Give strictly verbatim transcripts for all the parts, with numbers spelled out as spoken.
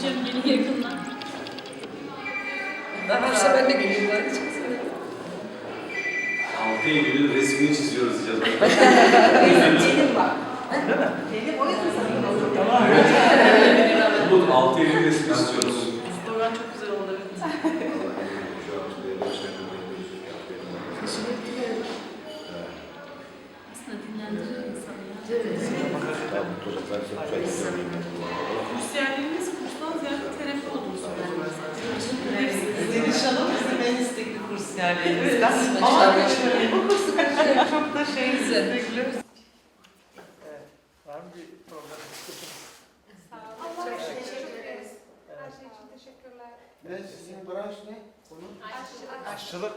Hocam yeni yakınlar. Ben işte ben de geleyim bari çıksın. altı Eylül'ün resmini çiziyoruz diyeceğiz. Benim var. Değil mi? Benim o yüzden sana olur. Tamam. Umut altı Eylül resmini istiyoruz. Program çok güzel oldu. Aslında dinlendirir insanı ya. Kursiyerlerimiz kurstan ziyade terapi olduğunu söylüyorlar zaten. Deniz Hanım bizim en istekli kursiyerlerimizden. Evet. Ama Evet. kaçırmayın. Bu kursu kaçırmayın. Çok da şey Güzel. bekliyoruz. Evet. Var mı bir problem? Allah için teşekkür ederiz. Her şey için teşekkürler. Ne sizin branş ne? Konu? Aşçılık.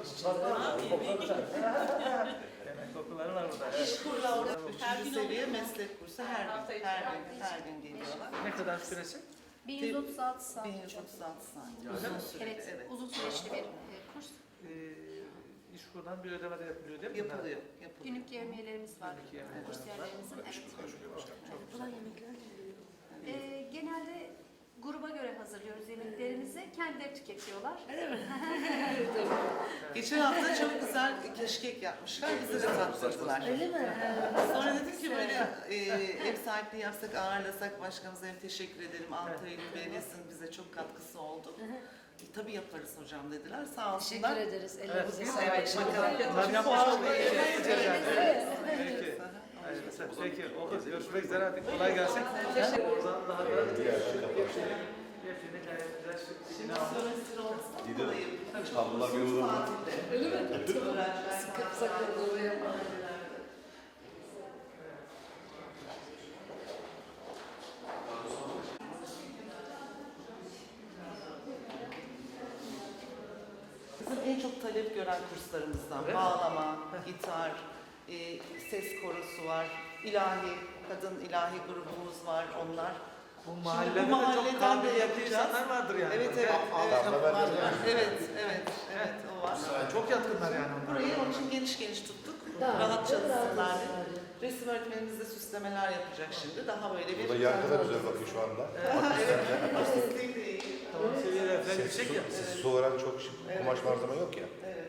Demek kokuları var burada. Evet. İş kurulu üçüncü seviye meslek kursu her gün, her gün, her gün geliyorlar. Ne kadar süresi? bin yüz otuz altı saat. bin yüz otuz altı saat. Uzun süreli, Evet, evet. uzun süreçli bir e, kurs. Ee, iş kurdan bir ödeme de yapılıyor değil mi? Yapılıyor, yapılıyor. Günlük yevmiyelerimiz var. Günlük yevmiyeler Kursiyerlerimizin. Evet. Ulan yemekler. E, genelde gruba göre hazırlıyoruz yemeklerimizi. Kendileri tüketiyorlar. Geçen hafta çok güzel keşkek yapmışlar, bize de tattırdılar. Öyle mi? Sonra dedik ki böyle e, ev sahipliği yapsak, ağırlasak başkanımıza hem teşekkür edelim. altı Eylül Belediyesi'nin bize çok katkısı oldu. E, tabii yaparız hocam dediler, sağ olsunlar. Teşekkür ederiz. Evet. Ellerinize Biz sağlık. evet, bakalım. Bunlar yapmışlar. Evet, evet. Peki. Hayır, mesela, peki. Oldu. Görüşmek üzere. Hadi kolay gelsin. Oradan daha da hepsini gayet güzel şık bir Şimdi bina almış. sömestr olsun dolayı Tablolar bir olur mu? tatilde. Öyle mi? Öğrenciler Sıkıp sakın oraya yapma. Bizim en çok talep gören kurslarımızdan Öyle mi? bağlama, gitar, e, ses korosu var, ilahi, kadın ilahi grubumuz var onlar. Bu Şimdi mahallede bu de mahalleden çok de kabiliyetli yapacağız. insanlar vardır yani. Evet, evet, evet. Evet, evet, evet, o var. Çok yatkınlar yani onlar. Burayı onun için geniş geniş tuttuk. Rahat çalışsınlar diye. Resim öğretmenimiz de süslemeler yapacak şimdi. Daha böyle bir... Burada yankı da güzel bakıyor şu anda. Evet, akustikliği de iyi. Tamam seviyeler falan Ses, yüksek su, ya. ses, su olarak çok şık, kumaş malzeme yok ya. Evet.